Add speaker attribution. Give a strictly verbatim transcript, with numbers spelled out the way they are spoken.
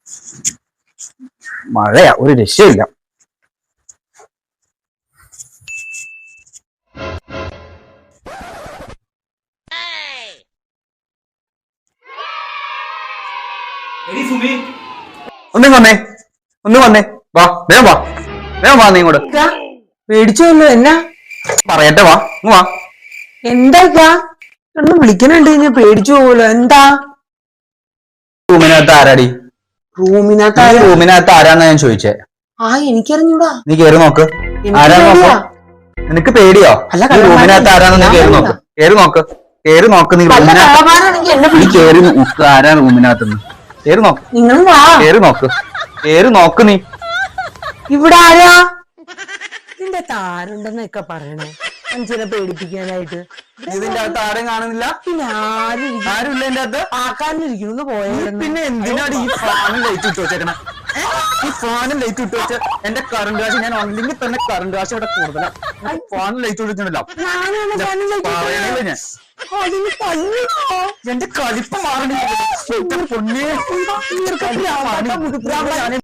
Speaker 1: മഴയാ, ഒരു രക്ഷയില്ല. ഒന്നും വന്നേ, ഒന്നും വന്നേ, വാ വേഗം വാ, വേഗം വാ. നീ ഇങ്ങോട്ട്
Speaker 2: പേടിച്ചോല്ലോ. എന്നാ
Speaker 1: പറയട്ടെ, വാ ഇങ്ങ് വാ.
Speaker 2: എന്താ ഒന്ന് വിളിക്കണുണ്ട്, ഞാൻ പേടിച്ചു പോവല്ലോ. എന്താ?
Speaker 1: റൂമിനകത്ത് ആരാടി?
Speaker 2: റൂമിനകത്ത്
Speaker 1: റൂമിനകത്ത് ആരാന്നാ ഞാൻ ചോദിച്ചേ.
Speaker 2: ആ എനിക്കറിഞ്ഞൂടാ.
Speaker 1: നീ കേറി നോക്ക്, ആരാന്ന് നോക്ക്. നിനക്ക് പേടിയോ? റൂമിനകത്ത് ആരാന്ന് നീ കേറി നോക്ക്, കേറി നോക്ക്, കേറി നോക്ക്. നീ റൂമിനകത്ത് നീ കേറി നോക്ക്, ആരാ റൂമിനകത്തുനിന്ന്. കേറി നോക്ക്,
Speaker 2: നിങ്ങൾ
Speaker 1: കേറി നോക്ക്, കേറി നോക്ക്. നീ
Speaker 2: ഇവിടെ ആരാ? ഇതിന്റെ താരുണ്ടെന്നൊക്കെ പറയണേ, മനുഷ്യനെ പേടിപ്പിക്കാനായിട്ട്.
Speaker 1: ഇതിന്റെ അകത്ത് ആരെയും കാണുന്നില്ല.
Speaker 2: പിന്നെ ആരും
Speaker 1: ആരും ഇല്ല എന്റെ അകത്ത്.
Speaker 2: ആക്കാനിരിക്കുന്നു പോയത്.
Speaker 1: പിന്നെ എന്തിനാണ് ഈ ഫാനും ലൈറ്റ് ഇട്ട് വെച്ചേക്കണേ? ഈ ഫാനും ലൈറ്റ് ഇട്ട് വെച്ച് എന്റെ കറണ്ട് കാശ് ഞാൻ അല്ലെങ്കിൽ തന്നെ കറണ്ട് കാശ് ഇവിടെ കൂടുതലാണ്. ഫാനും ലൈറ്റ് ഇട്ടിട്ടുണ്ടല്ലോ. എന്റെ കളിപ്പ് മാറണില്ല.